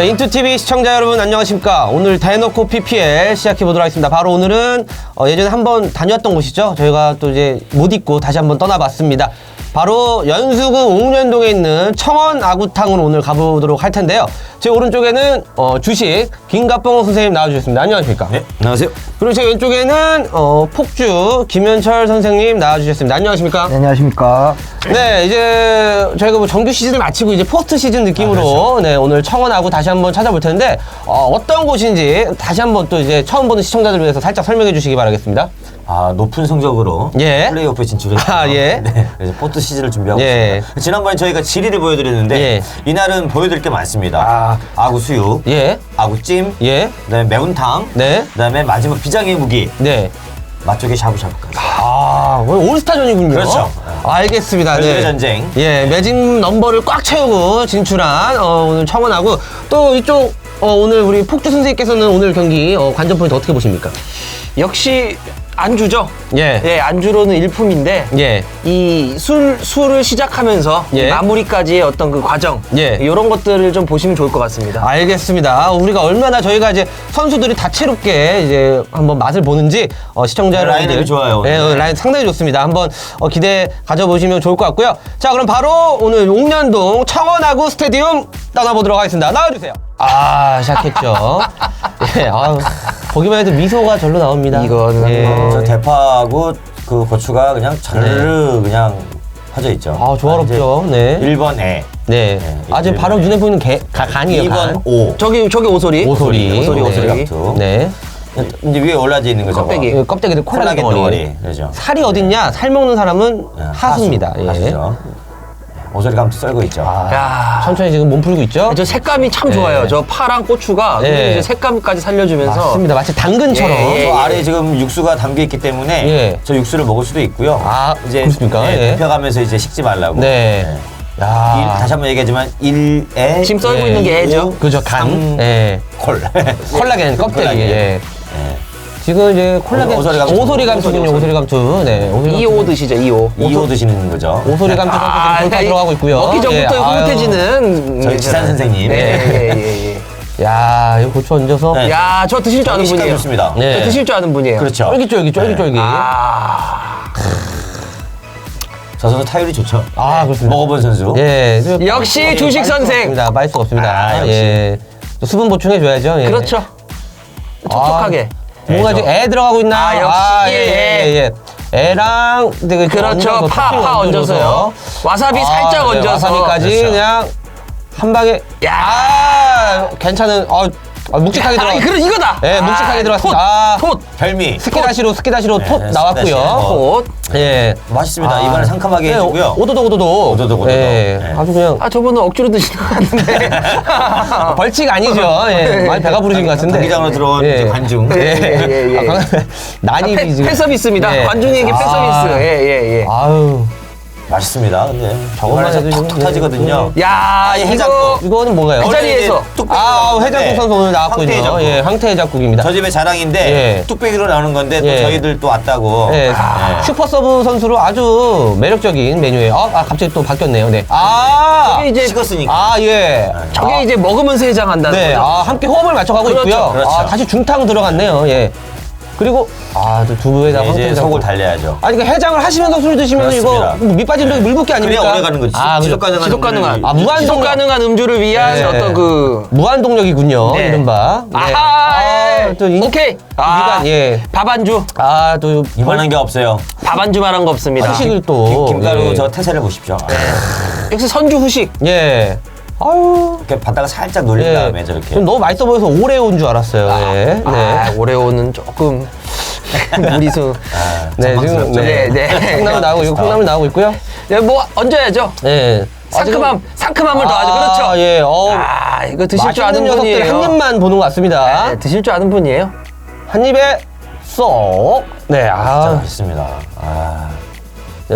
자, 인투TV 시청자 여러분 안녕하십니까. 오늘 대놓고 PPL 시작해보도록 하겠습니다. 바로 오늘은 예전에 한번 다녔던 곳이죠. 저희가 또 이제 못 잊고 다시 한번 떠나봤습니다. 바로 연수구 옥년동에 있는 청원 아구탕으로 오늘 가보도록 할 텐데요. 제 오른쪽에는 주식 김갑봉 선생님 나와주셨습니다. 안녕하십니까? 네, 안녕하세요. 그리고 제 왼쪽에는 폭주 김현철 선생님 나와주셨습니다. 안녕하십니까? 네, 안녕하십니까. 네, 이제 저희가 뭐 정규 시즌을 마치고 이제 포스트 시즌 느낌으로 그렇죠. 네, 오늘 청원하고 다시 한번 찾아볼 텐데 어떤 곳인지 다시 한번 또 이제 처음 보는 시청자들을 위해서 살짝 설명해 주시기 바라겠습니다. 아, 높은 성적으로 예. 플레이오프에 진출했어요. 아, 예. 네, 그래서 포스트 시즌을 준비하고 예. 있습니다. 지난번에 저희가 지리를 보여드렸는데 예. 이날은 보여드릴 게 많습니다. 아구 수육, 예, 아구찜, 예, 그다음에 매운탕, 네, 그다음에 마지막 비장의 무기, 네. 맛조개 샤브샤브까지. 아, 오늘 올스타전이군요. 그렇죠. 알겠습니다. 별들의 전쟁. 예, 매직 넘버를 꽉 채우고 진출한 오늘 청원하고 또 이쪽 오늘 우리 폭주 선생님께서는 오늘 경기 관전 포인트 어떻게 보십니까? 역시 안주죠. 예. 예, 안주로는 일품인데 예. 이 술을 시작하면서 예. 마무리까지의 어떤 그 과정, 예. 이런 것들을 좀 보시면 좋을 것 같습니다. 알겠습니다. 우리가 얼마나 저희가 이제 선수들이 다채롭게 이제 한번 맛을 보는지 시청자 여러분들 라인업이 좋아요. 네, 라인 상당히 좋습니다. 한번 기대 가져보시면 좋을 것 같고요. 자, 그럼 바로 오늘 옥년동 청원하구 스테디움 떠나보도록 하겠습니다. 나와주세요. 아, 시작했죠. 예, 보기만 해도 미소가 절로 나옵니다. 이거는 예. 저 대파하고 그 고추가 그냥 자르르 그냥 퍼져 있죠. 아, 조화롭죠. 네. 1번 애, 네. 아주 바로 눈에 보이는 간이에요. 2번 간. 오. 저기 오소리. 오소리. 오소리 네. 감투. 네. 이제 위에 올라져 있는 거죠. 껍데기. 예, 껍데기도 콜라겐 덩어리. 그렇죠. 살이 어딨냐? 살 먹는 사람은 하수입니다. 예. 하수죠. 오소리 감투 썰고 있죠. 야, 천천히 지금 몸 풀고 있죠? 저 색감이 참 좋아요. 저 파랑 고추가 네. 이제 색감까지 살려주면서 맞습니다. 마치 당근처럼. 예, 저 아래에 지금 육수가 담겨 있기 때문에 예. 저 육수를 먹을 수도 있고요. 아, 이제 그렇습니까? 네, 예. 데펴가면서 이제 식지 말라고. 네. 야. 다시 한번 얘기하지만 1에 지금 썰고 있는 게 애죠. 그죠, 간. 예. 콜. 콜라겐 껍데기. 콜라겐. 예. 예. 지금 이제 콜라겐. 오소리 감투. 오소리 감투군요, 오소리 감투. 네. 오소리 2호 드시죠, 2호. 2호 드시는 거죠. 오소리 감투 선수 지금 돌파 들어가고 있고요. 먹기 전부터 예. 흐뭇해지는 저희 지산 선생님. 네. 야, 이거 고추 얹어서. 네. 야, 저 드실 줄 아는 식감이 분이에요. 좋습니다. 네. 저 드실 줄 아는 분이에요. 그렇죠. 쫄깃쫄깃, 쫄깃쫄깃. 저 선수 타율이 좋죠. 아, 그렇습니다. 먹어본 선수. 예. 역시 주식 선생. 빠질 수가 없습니다. 아, 역시. 예. 또 수분 보충해줘야죠. 예. 그렇죠. 촉촉하게. 뭔가 애죠. 지금 애 들어가고 있나? 아, 역시. 예. 애랑 되게 그렇죠. 얹어서 파 토핑 얹어서요. 와사비 살짝 네, 얹어서. 와사비까지 그렇죠. 그냥 한 방에. 야. 괜찮은. 묵직하게 들어. 그럼 이거다. 예, 묵직하게 들어갔습니다. 톳. 별미. 스키다시로 네, 나왔고요. 스키다시. 톳. 예. 맛있습니다. 이번에 상큼하게 네, 해주고요. 오도독. 예. 네. 아주 그냥 아, 저분은 억지로 드시는 것 같은데. 벌칙 아니죠. 예. 많이 배가 부르신 것 같은데. 경기장으로 들어온 예. 이제 관중. 예. 난입이 지금. 팬서비스입니다. 예. 관중에게 팬서비스. 예. 아유. 맛있습니다. 근데 저것만 저거만 해도 톡톡 지금, 터지거든요. 야, 이 이거. 해장국. 이거는 뭔가요? 그 자리에서. 해장국 선수 오늘 나왔군요. 황태해장국. 예, 황태해장국입니다. 저 집의 자랑인데 예. 뚝배기로 나오는 건데 또 예. 저희들 또 왔다고. 예, 슈퍼 서브 선수로 아주 매력적인 메뉴예요. 갑자기 또 바뀌었네요. 네. 저게 이제 식었으니까. 예. 저게 이제 먹으면서 해장한다는 네, 거죠. 함께 호흡을 맞춰가고 그렇죠. 있고요. 그렇죠. 다시 중탕 들어갔네요. 예. 그리고 또 두부에다가 이제 황태해장국. 속을 달래야죠. 아니, 그러니까 해장을 하시면서 술 드시면 그렇습니다. 이거 밑 빠진 독이 물 붓기 아닙니까? 그래야 오래 가는 거지. 그죠. 지속 가능한. 무한 지속 동력. 가능한 음주를 위한 네. 어떤 그. 무한 동력이군요. 네. 이른바. 네. 아하, 또 오케이. 위관, 예. 밥안주. 또 이만한 게 없어요. 밥안주만 한 거 없습니다. 후식을 또. 김가루 예. 저 태세를 보십시오. 역시 선주 후식. 예. 아유. 이렇게 바다가 살짝 놀린 예. 다음에 저렇게. 좀 너무 맛있어 보여서 오래 온 줄 알았어요. 예. 네. 오레오는 조금 무리수. 네, 지금 네. 콩나물 나오고 있고 콩나물 나오고 있고요. 네, 뭐 얹어야죠. 네. 상큼함을 더하죠. 그렇죠. 예. 이거 드실 줄 아는 맛있는 녀석들 분이에요. 한 입만 보는 것 같습니다. 네, 드실 줄 아는 분이에요. 한 입에 쏙. 네. 진짜 맛있습니다. 네,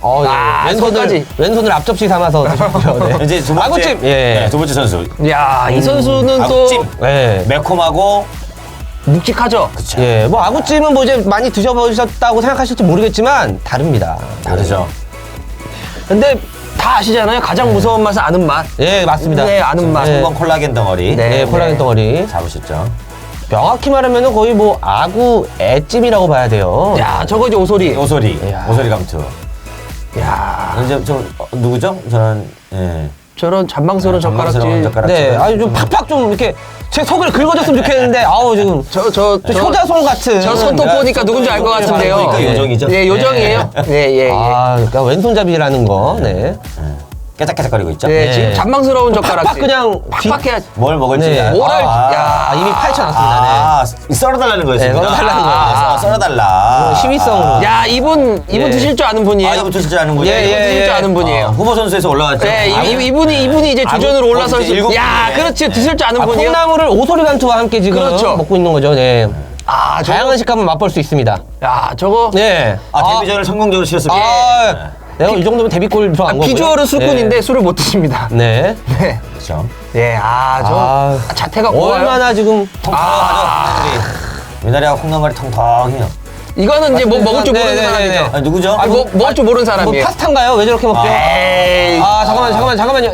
손까지. 왼손을 앞접시 삼아서 드셨고요. 네. 이제 두 번째. 아구찜. 예. 네, 두 번째 선수. 야, 이 선수는 아구찜. 또 네. 매콤하고. 묵직하죠. 그쵸. 예. 뭐 아구찜은 뭐 이제 많이 드셔보셨다고 생각하실지 모르겠지만 다릅니다. 다르죠. 근데 다 아시잖아요. 가장 무서운 맛은 아는 맛. 예, 맞습니다. 네, 아는 맛. 네. 한번 콜라겐 덩어리 네. 네, 콜라겐 덩어리. 잡으셨죠. 명확히 말하면 거의 뭐 아구 애찜이라고 봐야 돼요. 야, 저거 이제 오소리. 오소리, 야. 오소리 감투. 야, 이제 누구죠? 저는 예. 저런 잔망스러운 잔망스러운 젓가락질. 젓가락질. 네, 아니 좀 팍팍 좀 이렇게 제 속을 긁어줬으면 좋겠는데 아우 지금 저 효자손 같은. 저 손톱 보니까 누군지 알 것 같은데요. 보니까 요정이죠. 네, 요정이에요. 네, 예, 예. 아, 그러니까 왼손잡이라는 거. 네. 깨작깨작거리고 있죠. 네, 네. 지금 잔망스러운 젓가락질. 팍팍 그냥 팍팍해야지. 뭘 먹을지. 네. 뭐를- 야. 이미 파헤쳐놨습니다. 썰어달라는 거였습니다. 네, 썰어달라는 거예요. 썰어달라. 네. 시위성으로. 야, 이분 예. 드실 줄 아는 분이에요. 이거 드실 줄 아는 분이에요. 예, 예, 드실 줄 예. 아는 분이에요. 후보 선수에서 올라왔죠. 네, 아, 이분이 이제 주전으로 올라서 이제 일곱 야, 분이네. 그렇지. 드실 줄 아는 분이에요. 콩나물을 오소리 감투와 함께 지금 그렇죠. 먹고 있는 거죠. 네. 아, 다양한 식감을 맛볼 수 있습니다. 야, 저거 네. 데뷔전을 성공적으로 치렀습니다. 내가 이 정도면 데뷔골 들어간 거고요. 비주얼은 술꾼인데 술을 못 드십니다. 네. 네. 그렇죠. 예, 아, 자태가 고와요. 얼마나 지금 통통하죠. 미나리하고 콩나물이 통통해요. 이거는 이제 뭐 먹을 줄 네, 모르는 네, 사람이죠. 네, 네. 아니, 누구죠? 아니, 뭐 먹을 줄 모르는 뭐 사람이에요. 파스타인가요? 왜 저렇게 먹죠? 에이. 잠깐만요.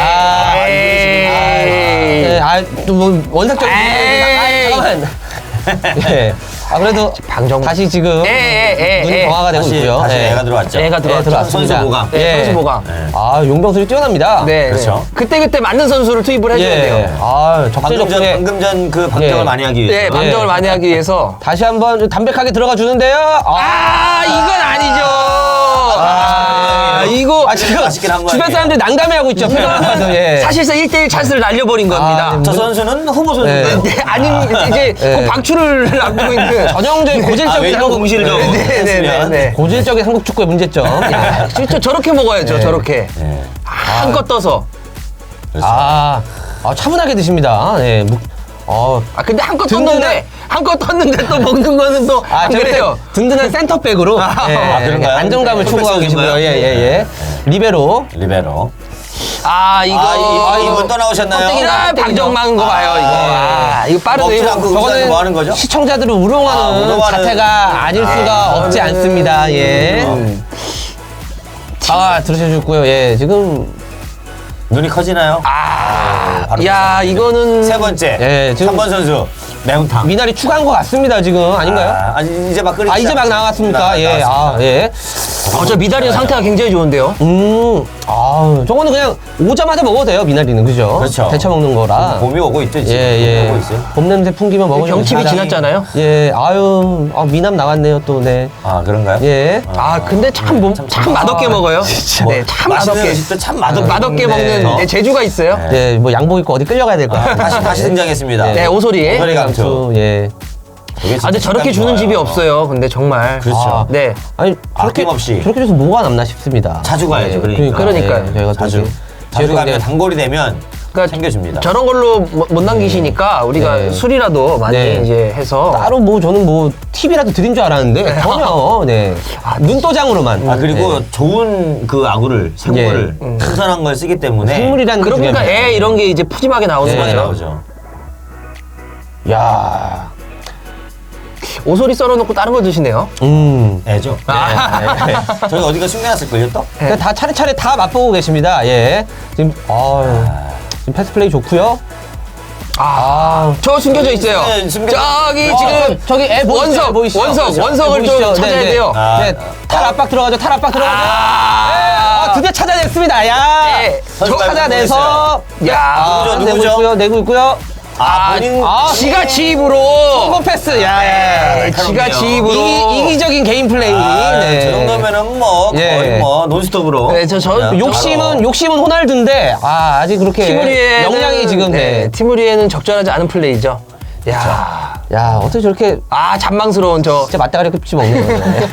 에이. 네, 또뭐 원색적인 에이. 잠깐만. 예. 그래도 방정- 다시 지금 눈이 정화가 되고 다시, 있고요. 다시 예. 애가 들어왔죠. 애가 들어왔죠. 들어왔습니다. 선수 보강. 네, 선수 보강. 용병술이 뛰어납니다. 네. 그렇죠. 그때 맞는 선수를 투입을 해줘야 예. 돼요. 적재적소에 방금 전 그 방정을 예. 많이 하기 위해서. 네, 방정을 예. 많이 하기 위해서. 다시 한번 담백하게 들어가 주는데요. 이건 아니죠. 이거 지금 맛있긴 한 주변 거예요. 사람들이 난감해하고 있죠. 표정을 예. 사실상 1대1 찬스를 날려버린 겁니다. 네. 저 선수는 후보 선수인가요? 네, 아니 이제 곧 방출을 앞두고 있는 전형적인 고질적인 외교 한국 공시를 좀 네네네. 고질적인 한국 축구의 문제점. 야, 진짜 저렇게 먹어야죠. 네. 저렇게 네. 한껏 떠서. 차분하게 드십니다. 네. 근데 한껏 든든한- 떴는데 또 먹는 거는 또 안 저렇게 그래요. 든든한 센터백으로 그런가요? 안정감을 네, 추구하고 계시고요. 선수인가요? 예. 리베로. 리베로. 이거 이분 또 나오셨나요? 방정망 거 봐요. 이거 먹지 빠르네요. 않고 저거는 뭐 하는 거죠? 시청자들을 우롱하는 우롱하는- 자태가 아닐 수가 없지 않습니다. 예. 들으셔주셨고요. 예, 지금 눈이 커지나요? 바로 이거는 세 번째. 예, 지금- 3번 선수. 매운탕. 미나리 추가한 것 같습니다. 지금 아닌가요? 아니, 이제 막 끓이기 이제 막 나왔습니까? 예, 나왔습니다. 예. 저 미다리는 상태가 굉장히 좋은데요. 저거는 그냥 오자마자 먹어도 돼요, 미나리는. 그죠? 그렇죠. 데쳐 먹는 거라. 봄이 오고 있죠, 지금. 예. 봄이 오고 있어요. 봄 냄새 풍기면 먹으면 경칩이 사람이- 지났잖아요. 예, 미남 나왔네요, 또, 네. 그런가요? 예. 근데 참 맛없게 먹어요. 네, 참 맛있는 맛없게. 음식도 참 맛없게 맛없게 네. 먹는 재주가 있어요. 예, 뭐 양복 입고 어디 끌려가야 될 것 같아요. 다시 등장했습니다. 네, 오소리. 오소리 감투. 예. 되게 진짜 근데 저렇게 식감이 주는 좋아요. 집이 없어요. 근데 정말. 그렇죠. 네. 아니, 저렇게, 아낌없이. 저렇게 줘서 뭐가 남나 싶습니다. 자주 가야죠, 그러니까. 그러니까요. 예, 저희가 또 자주. 이제 자주 지역에 가면 단골이 되면 그러니까 챙겨줍니다. 저런 걸로 못 남기시니까 우리가 네. 술이라도 많이 네. 이제 해서 따로 저는 팁이라도 드린 줄 알았는데 전혀 눈도장으로만. 그리고 좋은 그 아구를 생물을 신선한 걸 쓰기 때문에 생물이라는 게 그러니까 중요합니다. 이런 게 이제 푸짐하게 나오는 많이 거죠. 나오죠. 야, 오소리 썰어놓고 다른 거 드시네요. 애죠. 저희 어디가 숨겨놨을걸요 또? 그러니까 다 차례차례 다 맛보고 계십니다. 예, 지금 지금 패스 플레이 좋고요. 저 숨겨져 있어요. 네, 저기 지금 저기 애 보이시죠? 애 보이시죠? 원석을 좀 보이시죠? 찾아야 네, 네. 돼요. 네, 탈 압박 들어가죠. 탈 압박 들어가죠. 드디어 찾아냈습니다. 야, 네. 저 찾아내서 누구죠? 내고 누구죠? 있고요. 본인 지가 지입으로 성공 패스. 야, 지가 지입으로 이기적인 개인 플레이. 네. 저 정도면은 예. 거의 논스톱으로. 네, 저 그냥 욕심은 호날두인데 아직 그렇게 티무리에는 역량이 지금 티무리에는 적절하지 않은 플레이죠. 야, 어떻게 저렇게 잔망스러운 저. 진짜 맞다가리 급지 먹는 거예요.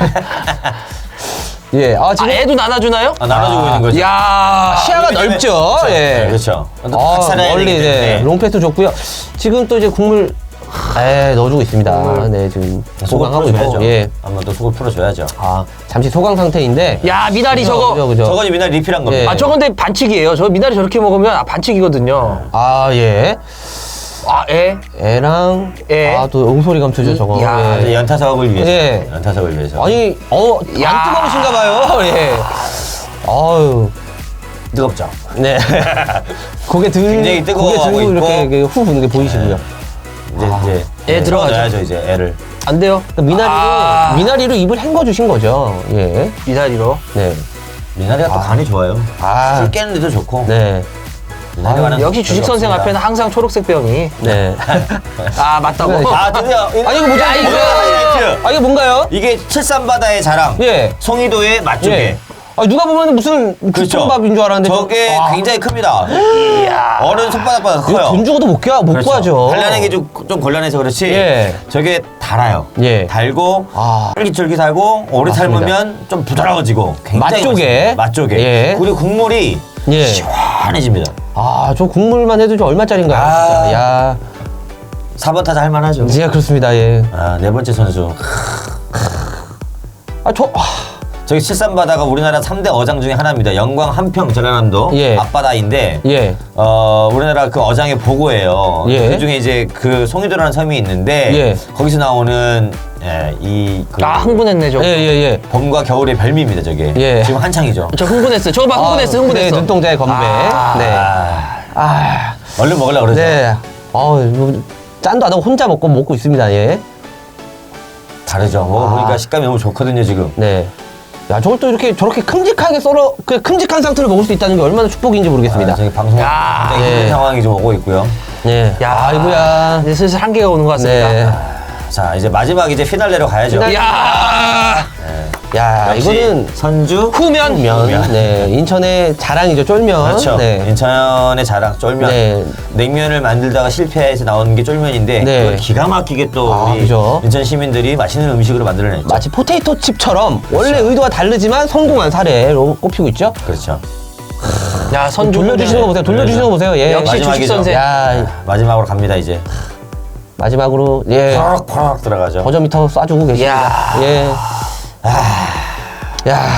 예, 지금 애도 나눠주나요? 나눠주고 있는 거죠. 시야가 넓죠. 그렇죠. 예. 네, 그렇죠. 살아야 멀리 되기 때문에. 이제 롱패스 좋고요. 지금 또 이제 국물 넣어주고 있습니다. 네, 지금 속을 소강하고 있고. 풀어줘야죠. 예. 한번 또 속을 풀어줘야죠. 잠시 소강 상태인데. 미나리 저거. 그죠. 저건 미나리 리필한 겁니다. 예. 저건 근데 반칙이에요. 저 미나리 저렇게 먹으면 반칙이거든요. 예. 애? 애랑 애. 또 옹소리 감투죠, 저거. 야, 이제 연타 작업을 위해서. 예. 연타 작업을 위해서. 아니, 안 뜨거우신가 봐요. 예. 아유. 뜨겁죠. 네. 고개 들 굉장히 뜨거워하고 고개 들고 있고. 이렇게 후 부는 게 보이시고요. 이제 애 들어가죠. 넣어야죠 이제 애를. 안 돼요. 그러니까 미나리로 입을 헹궈 주신 거죠. 예. 미나리로. 네. 미나리가 또 간이 좋아요. 술 깨는 데도 좋고. 네. 미나리가 는 역시 주식 선생 앞에는 항상 초록색 병이. 네. 아 맞다고. 아 드디어. 아 이거 뭐죠? 야, 이거 하이라이트. 아 이게 뭔가요? 이게 칠산바다의 자랑. 예. 송이도의 맛조개. 예. 아 누가 보면 무슨 국밥인 줄 알았는데 저게 와. 굉장히 큽니다. 어른 손바닥보다 이거 커요. 돈 주고도 못 구하죠. 단련하기 좀 곤란해서 그렇지. 예. 저게 달아요. 예. 달고 아. 쫄깃쫄깃 달고 오래 맞습니다. 삶으면 좀 부드러워지고 굉장히 맛조개. 맛있습니다. 맛조개. 예. 그리고 국물이 예. 시원해집니다. 아, 저 국물만 해도 좀 얼마짜린가요? 아. 진짜. 야. 4번 타자 할만하죠. 예, 그렇습니다. 예. 아, 네 번째 선수. 저기 칠산바다가 우리나라 3대 어장 중에 하나입니다. 영광, 한평, 전라남도 예. 앞바다인데 예. 우리나라 그 어장의 보고예요. 예. 그 중에 이제 그 송이도라는 섬이 있는데 예. 거기서 나오는 흥분했네 저. 예, 예, 예. 봄과 겨울의 별미입니다. 저게 예. 지금 한창이죠. 저 흥분했어요. 저거 봐 흥분했어. 네, 눈동자의 건배. 네. 아. 얼른 먹으려고 그러죠. 네. 뭐, 짠도 안 하고 혼자 먹고 있습니다. 예. 다르죠. 먹어보니까 식감이 너무 좋거든요, 지금. 네. 야, 저걸 또 이렇게 저렇게 큼직하게 그 큼직한 상태로 먹을 수 있다는 게 얼마나 축복인지 모르겠습니다. 저기 방송 야. 굉장히 힘든 예. 상황이 좀 오고 있고요. 예. 야, 아이고야. 이제 슬슬 한계가 오는 것 같습니다. 네. 자, 이제 마지막 이제 피날레로 가야죠. 야, 야, 역시 이거는 선주 후면. 면. 네. 인천의 자랑이죠, 쫄면. 그렇죠. 네. 인천의 자랑 쫄면. 네. 냉면을 만들다가 실패해서 나오는 게 쫄면인데 네. 그걸 기가 막히게 또 아, 우리 그죠. 인천 시민들이 맛있는 음식으로 만들어냈죠. 마치 포테이토 칩처럼 원래 의도가 다르지만 성공한 사례로 꼽히고 있죠. 그렇죠. 야, 선주 돌려주시는 거 보세요. 돌려주시는 거 보세요. 예. 역시 주식 마지막이죠. 선생. 야, 마지막으로 갑니다 이제. 마지막으로 예. 퍼럭퍼럭 들어가죠. 버저미터 쏴주고 계십니다. 야. 예. 야.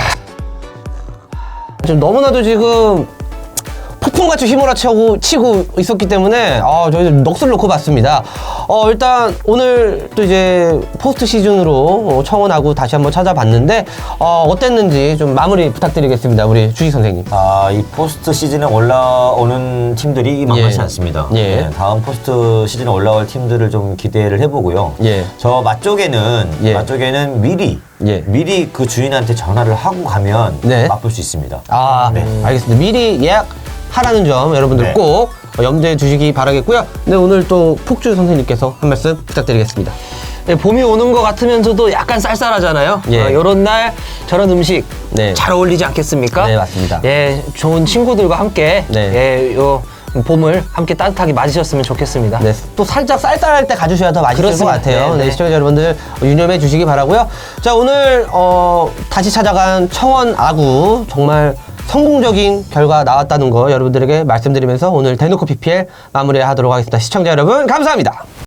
지금 너무나도 지금 폭풍같이 치고 있었기 때문에 저희 넋을 놓고 봤습니다. 일단 오늘 또 이제 포스트 시즌으로 청원하고 다시 한번 찾아봤는데 어땠는지 좀 마무리 부탁드리겠습니다. 우리 주식 선생님. 이 포스트 시즌에 올라오는 팀들이 만만치 예. 않습니다. 예. 네, 다음 포스트 시즌에 올라올 팀들을 좀 기대를 해보고요. 예. 저 맛조개는 예. 미리 그 주인한테 전화를 하고 가면 네. 맛볼 수 있습니다. 네. 알겠습니다. 미리 예약하라는 점 여러분들 네. 꼭 염두에 두시기 바라겠고요. 네, 오늘 또 폭주 선생님께서 한 말씀 부탁드리겠습니다. 네, 봄이 오는 것 같으면서도 약간 쌀쌀하잖아요. 예. 이런 날 저런 음식 네. 잘 어울리지 않겠습니까? 네, 맞습니다. 예, 좋은 친구들과 함께 네. 예, 요 봄을 함께 따뜻하게 맞으셨으면 좋겠습니다. 네, 또 살짝 쌀쌀할 때 가주셔야 더 맛있을 그렇습니다. 것 같아요. 네, 네, 네. 시청자 여러분들 유념해 주시기 바라고요. 자, 오늘 다시 찾아간 청원 아구 정말 성공적인 결과 나왔다는 거 여러분들에게 말씀드리면서 오늘 대놓고 PPL 마무리하도록 하겠습니다. 시청자 여러분 감사합니다.